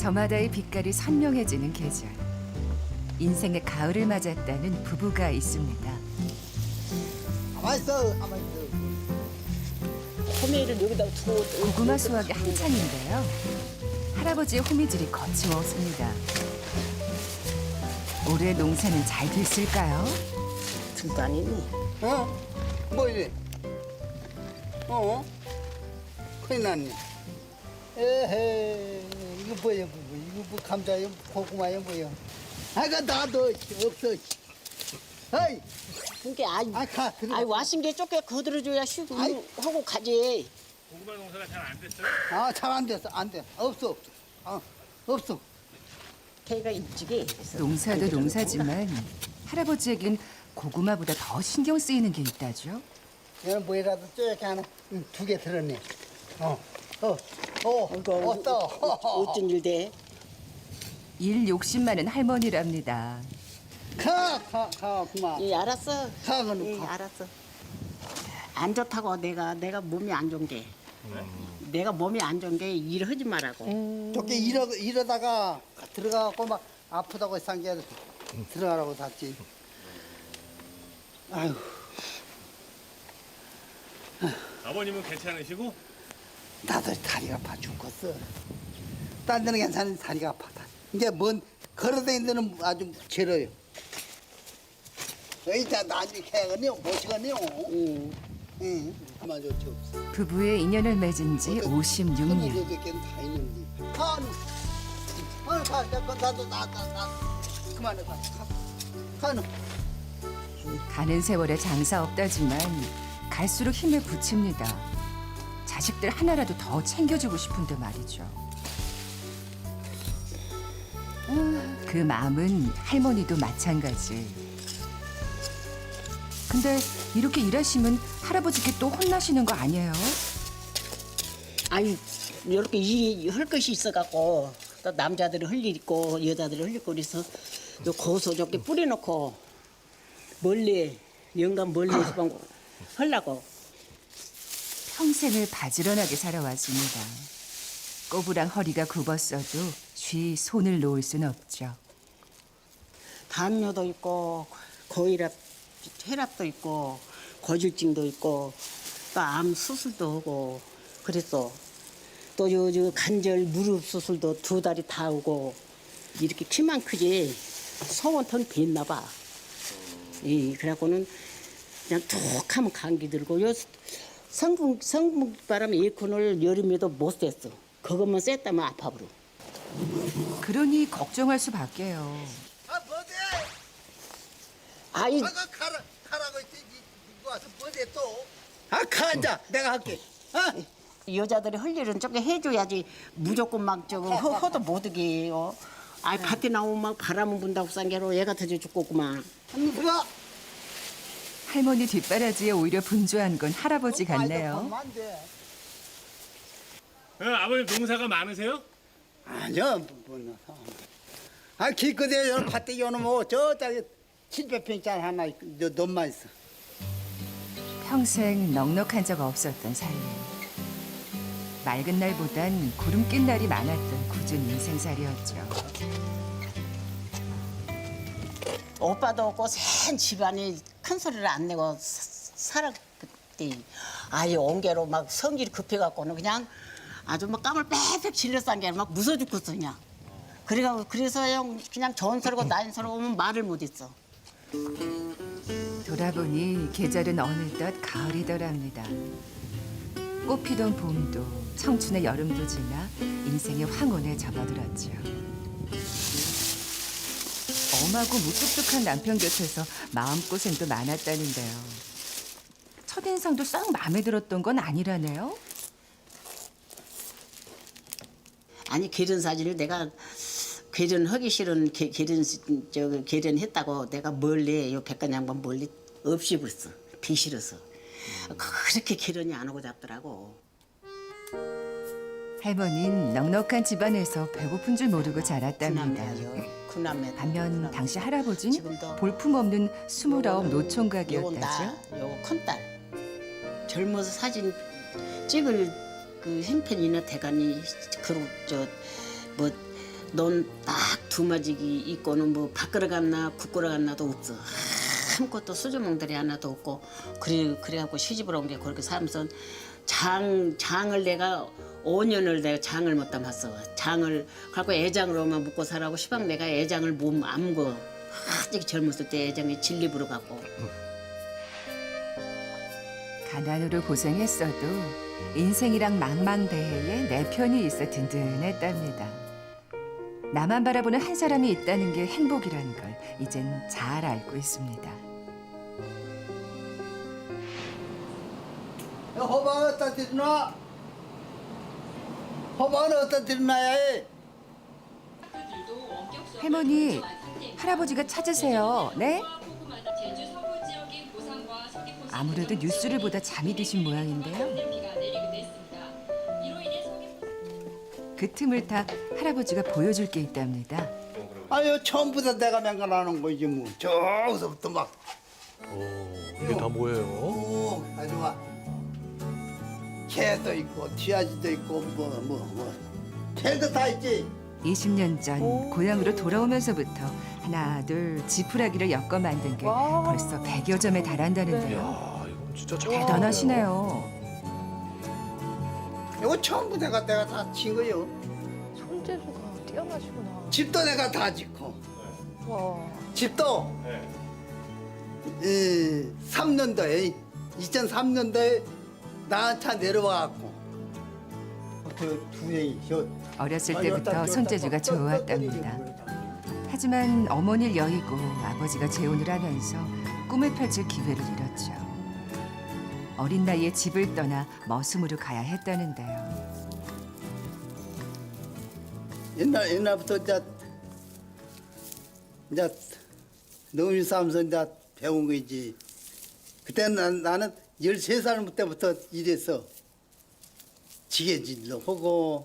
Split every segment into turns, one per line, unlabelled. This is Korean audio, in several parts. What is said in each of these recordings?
저마다의 빛깔이 선명해지는 계절. 인생의 가을을 맞았다는 부부가 있습니다.
가만 있어, 가만 있어.
호미를 여기다 두고
고구마 수확이 한창인데요. 할아버지의 호미질이 거침없습니다. 올해 농사는 잘 됐을까요?
들도 아니니.
뭐 이래? 큰일 났네. 에헤, 이거 뭐야, 이거 뭐 감자야, 고구마야, 뭐야? 아가 나도 없어. 어이,
그게
가, 들어가.
아이 와신 게 쫓겨 거들어줘야 쉬고
아이.
하고 가지.
고구마 농사가 잘 안 됐어요?
잘 안 됐어, 안 돼. 없어. 없어.
걔가 일찍이.
농사도 농사지만 할아버지에겐 고구마보다 더 신경 쓰이는 게 있다죠.
얘는 뭐라도 쪼얗게 하나, 2개 들었네.
이거
없어.
어쩐 일 돼?
일 욕심 많은 할머니랍니다.
가, 그만.
예, 알았어.
가, 그럼
예,
가.
알았어. 안 좋다고 내가 몸이 안 좋은 게. 내가 몸이 안 좋은 게 일하지 말라고.
저게 이러다가 들어가고 막 아프다고 상게 들어가라고 샀지. 아유,
아버님은 괜찮으시고?
나도 다리가 아파 죽겠어. 딴 데는 괜찮은데 다리가 아파. 이제 걸어다니는 데는 아주 괴로워요. 이자 나중에 해야겠네요. 못시겠네요. 응, 그만 좋지 없어.
부부의 인연을 맺은 지 56년.
저렇게는 다 있는데. 가, 나도 그만해 가. 가.
가는 세월에 장사 없다지만 갈수록 힘을 붙입니다. 자식들 하나라도 더 챙겨주고 싶은데 말이죠. 그 마음은 할머니도 마찬가지. 근데 이렇게 일하시면 할아버지께 또 혼나시는 거 아니에요?
아니 이렇게 일이 할 것이 있어갖고 또 남자들이 할 일 있고 여자들이 할 일 있고 그래서 요 고소 저렇게 뿌려놓고 멀리 영감 멀리서 하려고.
평생을 바지런하게 살아왔습니다. 꼬부랑 허리가 굽었어도 쉬 손을 놓을 순 없죠.
담요도 있고 고혈압, 혈압도 있고 고질증도 있고 또 암 수술도 하고 그랬어. 또 요 관절 무릎 수술도 2달이 다 하고 이렇게 키만 크지 소원턴 뱉나 봐. 그래갖고는 그냥 툭 하면 감기 들고 요 성분 바람 에어컨을 여름에도 못 쐈어. 그것만 쐈다면 아파버려.
그러니 걱정할 수밖에요.
뭐지?
아이
가라고 했지. 이거 와서 뭐지 또? 가, 이제 내가 할게.
여자들이 할 일은 좀 해줘야지 무조건 막 저거 허도 못하게요. 아이 밭에 나오면 막 바람은 분다고 싼게로 애가 터져 죽겠구만.
들어가.
할머니 뒷바라지에 오히려 분주한 건 할아버지 같네요.
아버님 농사가 많으세요?
아니요, 기껏해 요 밭에 요놈 저짜리 700평짜리 하나 놈만 있어.
평생 넉넉한 적 없었던 삶. 맑은 날보단 구름 낀 날이 많았던 굳은 인생살이었죠.
오빠도 없고 센 집안이 큰 소리를 안 내고 살았대. 아예 온게로 막 성질이 급해갖고는 그냥 아주 막 땀을 빽빽 질러싼 게 막 무서 죽겠어 그냥. 그래서 그냥 전설고 난설고 오면 말을 못했어.
돌아보니 계절은 어느덧 가을이더랍니다. 꽃피던 봄도 청춘의 여름도 지나 인생의 황혼에 접어들었죠. 엄하고 무뚝뚝한 남편 곁에서 마음고생도 많았다는데요. 첫인상도 싹 마음에 들었던 건 아니라네요.
아니 결혼 사진을 내가 결혼하기 싫은 결혼했다고 내가 멀리 요 백간 양반 멀리 없이 벌써 비 싫어서 그렇게 결혼이 안 오고 잡더라고.
할머니는 넉넉한 집안에서 배고픈 줄 모르고 자랐답니다.
구남매.
반면 당시 할아버지는
지금도
볼품없는 29
요건
노총각이었다죠.
나, 요 큰딸. 젊어서 사진 찍을 그 형편이나 대간이 그뭐 넌 딱 두 마지기 있고는 뭐 밥그릇 갔나 국그릇 갔나도 없어. 아무것도 수저몽다리 하나도 없고 그래갖고 시집을 온 게 그렇게 살면서 장을 내가 5년을 내가 장을 못 담았어. 장을 갖고 애장으로만 먹고 살라고 시방 내가 애장을 몸 안고 아직 젊었을 때 애장에 진립으로 갖고
가난으로 고생했어도 인생이랑 망망대해에 내 편이 있어 든든했답니다. 나만 바라보는 한 사람이 있다는 게 행복이라는 걸 이젠 잘 알고 있습니다.
호박은 어디다 들여놔? 호박은 어디다 들여놔야 해?
할머니, 할아버지가 찾으세요. 네? 아무래도 뉴스를 보다 잠이 드신 모양인데요. 그 틈을 타 할아버지가 보여줄 게 있답니다.
아유 처음부터 내가 맹간하는 거지 뭐. 저기서부터 막
이게 다 뭐예요?
오, 아주 막 개도 있고 쥐아지도 있고 뭐 개도 다 있지.
20년 전 고향으로 돌아오면서부터 하나 둘 지푸라기를 엮어 만든 게 벌써 100여 점에 달한다는데요.
야, 이건 진짜 잘
대단하시네요.
이거 전부 내가 다 친 거요.
손재주가 뛰어나시구나.
집도 내가 다 짓고
와.
집도
네.
3년도에 2003년도에 나한테 내려와갖고 그 두에
어렸을 때부터 손재주가 좋았답니다. 하지만 어머니를 여의고 아버지가 재혼을 하면서 꿈을 펼칠 기회를 잃었죠. 어린 나이에 집을 떠나 머슴으로 가야 했다는데요.
옛날부터 이제 농민 싸움에서 이제 배운 거지. 그때는 나는 13살 때부터 일했어. 지게질도 하고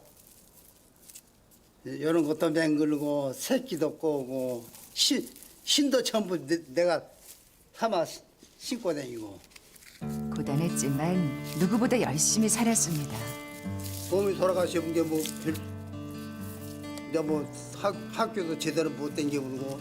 이런 것도 맹글고 새끼도 꼬고 신도 전부 내가 삼아 신고 다니고.
고단했지만 누구보다 열심히 살았습니다.
몸이 돌아가시는 게 뭐 이제 뭐 학교도 제대로 못 다니고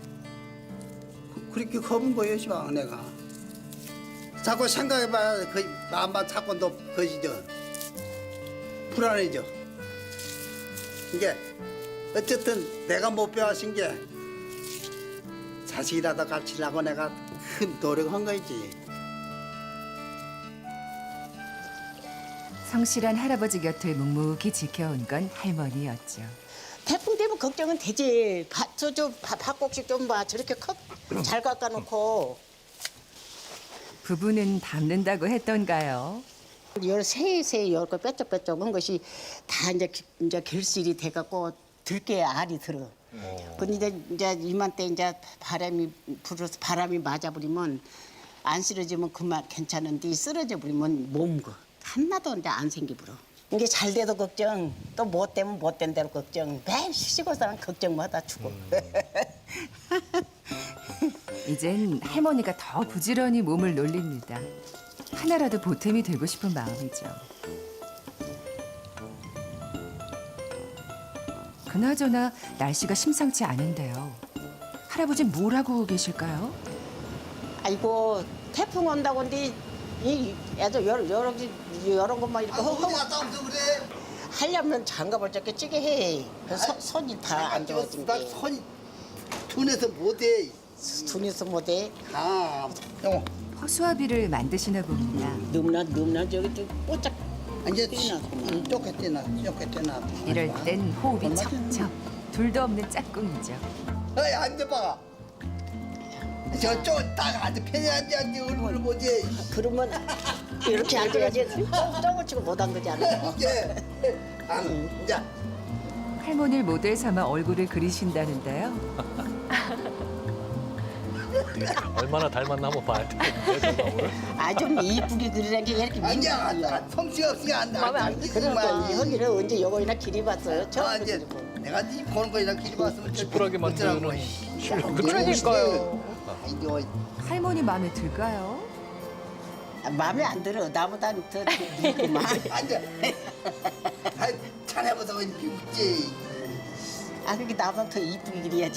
그렇게 겁은 거예요, 시방 내가. 자꾸 생각해봐야 그 마음만 자꾸 너 거지죠. 불안해져. 이게 어쨌든 내가 못 배워신 게 자식이라도 가르치려고 내가 큰 노력한 거지.
성실한 할아버지 곁을 묵묵히 지켜온 건 할머니였죠.
태풍 때문에 걱정은 되지. 밭곡식 좀 봐. 저렇게 잘 깎아놓고
부부는 닮는다고 했던가요?
세세 열거 뾰족뾰족한 것이 다 이제 결실이 돼갖고 들깨 알이 들어. 근데 이제 이맘때 이제 바람이 불어서 바람이 맞아버리면 안 쓰러지면 그만 괜찮은데 쓰러져 버리면 몸거 하나도 이제 안 생기버려. 이게 잘 돼도 걱정, 또 못 되면 못 된 대로 걱정. 매일 시골사람 걱정마다 죽어.
이젠 할머니가 더 부지런히 몸을 놀립니다. 하나라도 보탬이 되고 싶은 마음이죠. 그나저나 날씨가 심상치 않은데요. 할아버지 뭘 하고 계실까요?
아이고 태풍 온다고 근데 이 애들 여러 것만 이렇게
어디 갔다 오면서 그래?
하려면 장갑을 저렇게 찌게 해. 그래서 손이 다 안 좋아진
나
게.
손이 둔해서 못해.
눈에서 못해.
아, 형.
허수아비를 만드시나 봅니다.
넘나 저기 좀 뽀짝.
이제
뛰나.
쪼개떼나.
이럴 땐 호흡이 척척. 둘도 없는 짝꿍이죠.
어이 앉아봐. 저쪽딱 앉아 편히 앉아 얼굴을 보지.
그러면 이렇게 앉아야지. 쩡을 치고 못 앉지 않아.
이게 이제
할머니를 모델 삼아 얼굴을 그리신다는데요.
얼마나 닮았나 한번 봐야 돼.
아좀 이쁘게 그리는 게 이렇게
아니야.
민망해요.
성취가 없으니까 안 돼.
그러니까 여기를 언제 요거이나 길이 봤어요. 처음
이제
그리고.
내가 이 보는 거이랑 길이 봤으면
지푸라기 만드는
그러니까요.
이거
할머니 마음에 들까요?
마음에 안 들어. 나보다 더 늙구만.
앉아. 자네보다 왜 웃지?
아 그게 나보다 더 이쁘게 그려야지.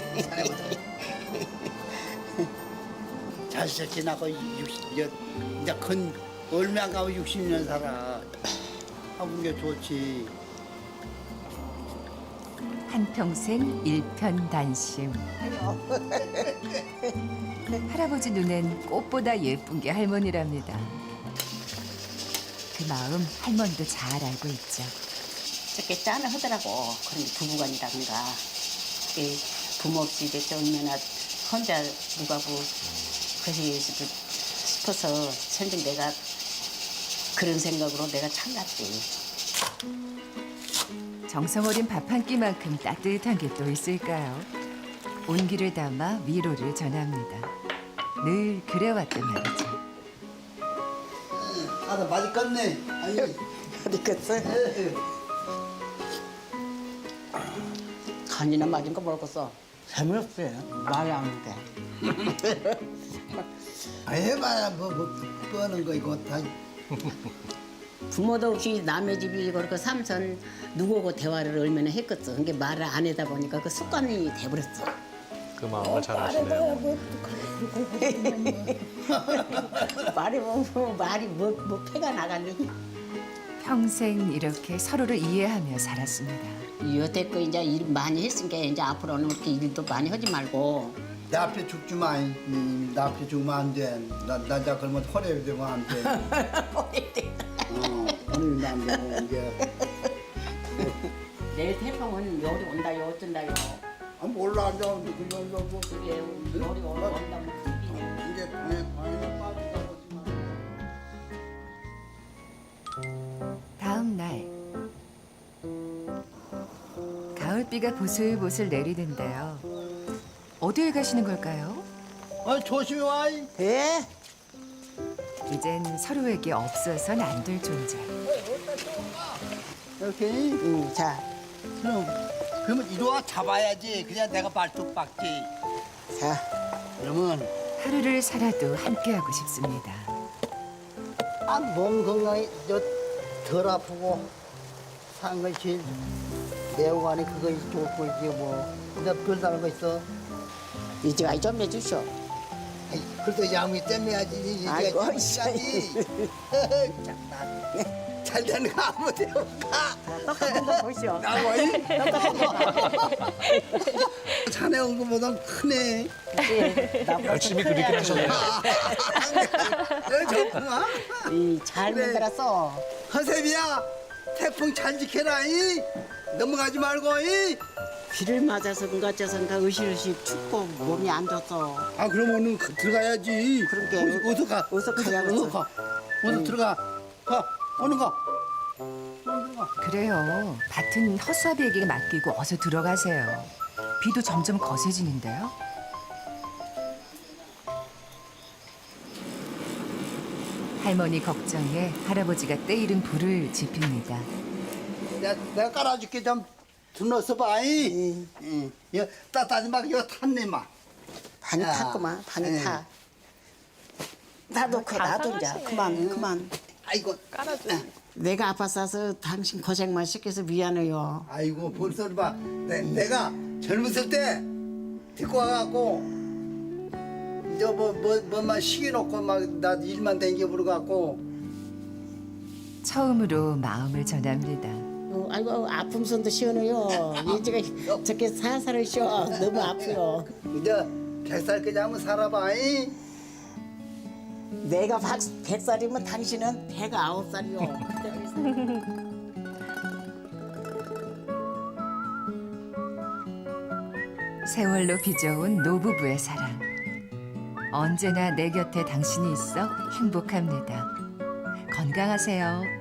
잘 지나고 60년 이제 큰 얼마 안 가고 60년 살아. 하는 게 좋지.
한평생 일편단심. 할아버지 눈엔 꽃보다 예쁜 게 할머니랍니다. 그 마음 할머니도 잘 알고 있죠.
저렇게 짠을 하더라고. 그런 게 부부간이라든가. 부모 없이 이제 얼마나 혼자 누가고 그러시 싶어서 현재 내가 그런 생각으로 내가 참았지.
정성 어린 밥 한 끼만큼 따뜻한 게 또 있을까요? 온기를 담아 위로를 전합니다. 늘 그래왔단 말이죠.
나 맛있겠네. 아니.
어디 갔어? 간이나 맞은 거 먹었어. 재미없어요. 말이 안 돼.
해봐야 뭐 뻔한 거 이거 다.
부모도 없이 남의 집이 그렇게 삼선 누구하고 대화를 얼마나 했겠어. 그게 말을 안 하다 보니까 그 습관이 돼버렸어.
그 마음을 잘 아시네요.
말이 말이 뭐 패가 나가니.
평생 이렇게 서로를 이해하며 살았습니다.
여태껏 이제 일 많이 했으니까 이제 앞으로는 그렇게 일도 많이 하지 말고.
내 앞에 죽지 마. 내 앞에 죽으면 안 돼. 나 이제 그러면 허리에 되면 안 돼. 허리에 안 되고 이제.
내일 태풍은 열이 온다요 어쩐다요.
아 몰라 이제 그냥 뭐
그게 열이 온다면 큰일이네.
이제 방에 빠진다고 하지만.
다음 날 가을비가 보슬보슬 내리는데요. 어디에 가시는 걸까요?
조심히 와.
예?
이젠 서로에게 없어선 안 될 존재.
이렇게.
응, 자,
그러면 이리 와 잡아야지. 그냥 내가 발톱 빡지.
자.
그러면
하루를 살아도 함께하고 싶습니다.
몸 건강이 덜 아프고 산 것이 매우가니 그거 좋고 이제 뭐 근데 별다른 거 있어.
이제 좀 해주쇼.
아이, 그래도 양이 땜해야지.
아이고,
참아야지. 장난. 잘 되는 거 아무 데나 가.
똑같은 거 보시오.
나와이. 자네 온 거보다 크네.
열심히 그리긴 하셨네요.
좋구만.
잘
그래.
만들었어.
허세비야, 태풍 잘 지켜라. 이. 넘어가지 말고. 이.
비를 맞아서 그가 져서인가 으실으실 춥고 몸이 안 좋소.
아 그럼 오늘 들어가야지.
그러게.
어서 가.
어서 가자고
어서
했어.
가. 어서 들어가. 가. 오는 가. 들어가.
그래요. 밭은 허수아비에게 맡기고 어서 들어가세요. 비도 점점 거세지는데요. 할머니 걱정에 할아버지가 때이른 불을 지핍니다.
내가 깔아줄게 좀 들어서 봐. 응. 이거 따뜻하지 마. 이거 탔네 마.
반이
야.
탔구만. 반이
응.
타. 나도 나도 이제 그만.
아이고.
깔아줘.
내가 아파서 당신 고생만 시켜서 미안해요.
아이고 벌써 봐. 내가 젊었을 때 데리고 와갖고 이제 뭐만 시켜놓고 막 나 일만 댕겨부러 갖고.
처음으로 마음을 전합니다.
아이고 아픔 손도 시원해요. 이제가 저렇게 살살 쉬어. 너무 아프요.
이제 100살까지 한번 살아봐. 이.
내가 100살이면 당신은 109살이요.
세월로 빚어온 노부부의 사랑. 언제나 내 곁에 당신이 있어 행복합니다. 건강하세요.